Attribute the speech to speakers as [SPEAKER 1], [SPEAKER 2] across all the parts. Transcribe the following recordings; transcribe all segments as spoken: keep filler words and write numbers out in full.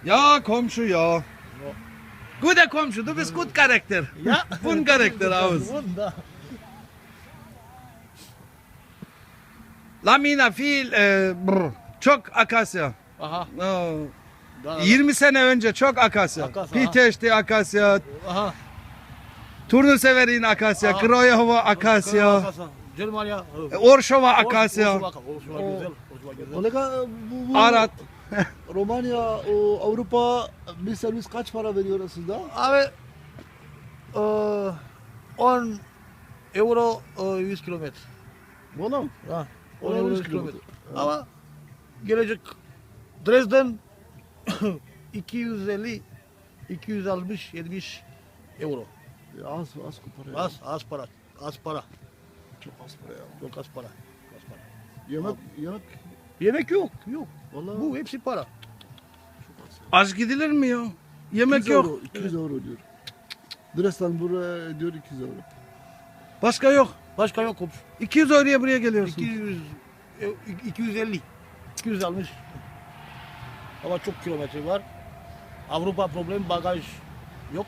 [SPEAKER 1] Ja, komşu ja. Guter komşu, du bist gut Charakter.
[SPEAKER 2] Ja.
[SPEAKER 1] Bun Charakter aus.
[SPEAKER 2] Wunder.
[SPEAKER 1] Lamina viel, e, brr, çok akasya.
[SPEAKER 2] Aha.
[SPEAKER 1] Oh.
[SPEAKER 2] Da,
[SPEAKER 1] yirmi sene önce çok akasya.
[SPEAKER 2] Akasya,
[SPEAKER 1] Piteşti akasya,
[SPEAKER 2] Aha.
[SPEAKER 1] Turnuseverin akasya,
[SPEAKER 2] Aha.
[SPEAKER 1] Kroyova akasya,
[SPEAKER 2] Germania.
[SPEAKER 1] Orşova akasya,
[SPEAKER 2] Orşova güzel. Orşova güzel.
[SPEAKER 3] Kolega bu, bu
[SPEAKER 1] Arat.
[SPEAKER 3] Romanya, o, Avrupa bir servis kaç para veriyor sizde?
[SPEAKER 2] Abi eee, on euro eee, yüz kilometre.
[SPEAKER 3] Valla.
[SPEAKER 2] Ha, on
[SPEAKER 3] on
[SPEAKER 2] euro
[SPEAKER 3] yüz
[SPEAKER 2] yüz kilometre.
[SPEAKER 3] kilometre.
[SPEAKER 2] Ama gelecek Dresden iki yüz elli iki yüz altmış yetmiş euro.
[SPEAKER 3] Ya az az para. ya.
[SPEAKER 2] Az az para. Az para.
[SPEAKER 3] Çok az para ya.
[SPEAKER 2] Çok az para. Az para.
[SPEAKER 3] Yemek yemek
[SPEAKER 2] Yemek yok. Yok.
[SPEAKER 3] vallahi
[SPEAKER 2] Bu hepsi para.
[SPEAKER 3] çok az. ya.
[SPEAKER 1] Az gidilir mi ya? Yemek
[SPEAKER 3] iki yüz
[SPEAKER 1] yok.
[SPEAKER 3] Euro, iki yüz euro diyor. Dresden buraya diyor iki yüz euro.
[SPEAKER 1] Başka yok.
[SPEAKER 2] Başka yok komşu.
[SPEAKER 1] iki yüz euroya buraya geliyorsun.
[SPEAKER 2] iki yüz e, iki yüz elli iki yüz altmış. Ama çok kilometre var. Avrupa problem bagaj yok.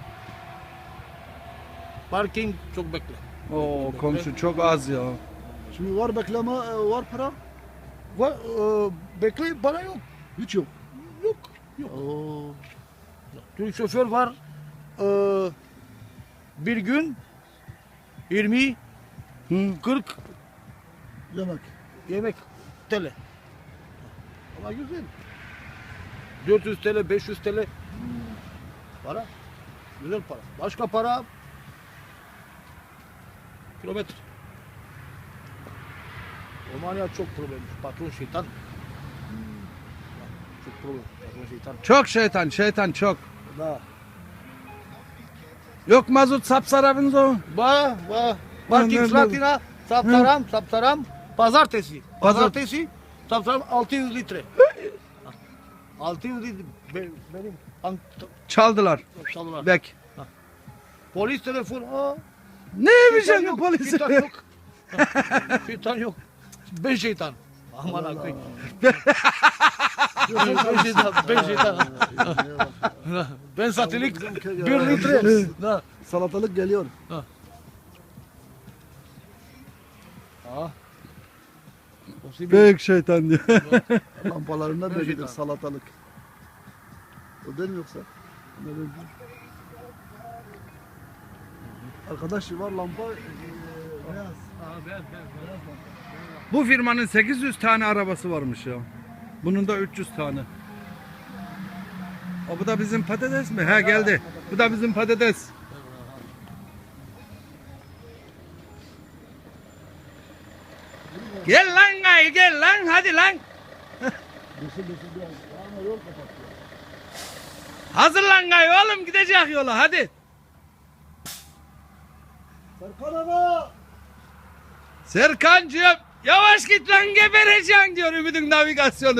[SPEAKER 2] Parking çok bekle.
[SPEAKER 1] Oo komşu çok az ya.
[SPEAKER 3] Şimdi var bekleme e, var para?
[SPEAKER 2] Var, e, bekle para yok.
[SPEAKER 3] Hiç yok.
[SPEAKER 2] Yok. Yok.
[SPEAKER 3] Oo.
[SPEAKER 2] Türk şoför var. E, bir gün yirmi
[SPEAKER 1] Hı.
[SPEAKER 2] kırk
[SPEAKER 3] Yemek.
[SPEAKER 2] yemek T L. Ama güzel. dört yüz T L, beş yüz T L. Para. Güzel para. Başka para kilometre. Romanya çok problem. Patron şeytan. Çok problem. Patron şeytan.
[SPEAKER 1] Çok şeytan, şeytan çok.
[SPEAKER 2] Da.
[SPEAKER 1] Yok mazot sapsarabın zo.
[SPEAKER 2] Ba, ba.
[SPEAKER 1] Ben-
[SPEAKER 2] Parking
[SPEAKER 1] ben-
[SPEAKER 2] Slatina, saptaram, saptaram. Pazartesi.
[SPEAKER 1] Pazar-
[SPEAKER 2] Pazartesi, saptaram altı yüz litre. altı yüz litre. Be- Benim bank
[SPEAKER 1] Çaldılar.
[SPEAKER 2] çaldılar.
[SPEAKER 1] Bek.
[SPEAKER 2] Polis telefon. Aa,
[SPEAKER 1] Ne
[SPEAKER 2] şeytan
[SPEAKER 1] yapacaksın
[SPEAKER 2] yok,
[SPEAKER 1] polise?
[SPEAKER 2] Şeytan yok. Şeytan yok. Ben şeytan. Aman akıyım. Ben şeytan. Ben şeytan. Ben satilik bir litre. Da.
[SPEAKER 3] Salatalık geliyor.
[SPEAKER 2] Aa. O sibi-
[SPEAKER 1] Büyük şeytan diyor.
[SPEAKER 3] Lampalarında
[SPEAKER 2] Evet,
[SPEAKER 3] da gelir
[SPEAKER 2] şeytan.
[SPEAKER 3] salatalık. O değil mi yoksa? Ne böyle? Arkadaş var lampa e, beyaz.
[SPEAKER 1] Bu firmanın sekiz yüz tane arabası varmış ya. Bunun da üç yüz tane. O bu da bizim patates mi? He geldi. Bu da bizim patates. Gel lan gay gel lan hadi lan.
[SPEAKER 3] Dışı dışı biraz. Ama yol kapatıyor.
[SPEAKER 1] Hazırlan gay oğlum gidecek yola hadi.
[SPEAKER 3] Serkan abi!
[SPEAKER 1] Serkancığım yavaş git lan gebereceksin diyor Ümit'in navigasyonu.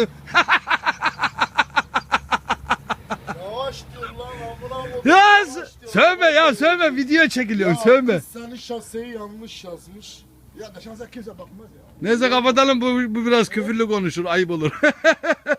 [SPEAKER 4] Yavaş diyor lan amına koyayım.
[SPEAKER 1] Ya
[SPEAKER 4] Yavaş
[SPEAKER 1] sö-
[SPEAKER 4] diyor.
[SPEAKER 1] sövme ya sövme video çekiliyor
[SPEAKER 4] Ya
[SPEAKER 1] sövme.
[SPEAKER 4] kız senin şaseyi yanlış yazmış.
[SPEAKER 3] Ya da şansa kimse bakmaz ya.
[SPEAKER 1] Neyse kapatalım bu, bu biraz küfürlü konuşur ayıp olur.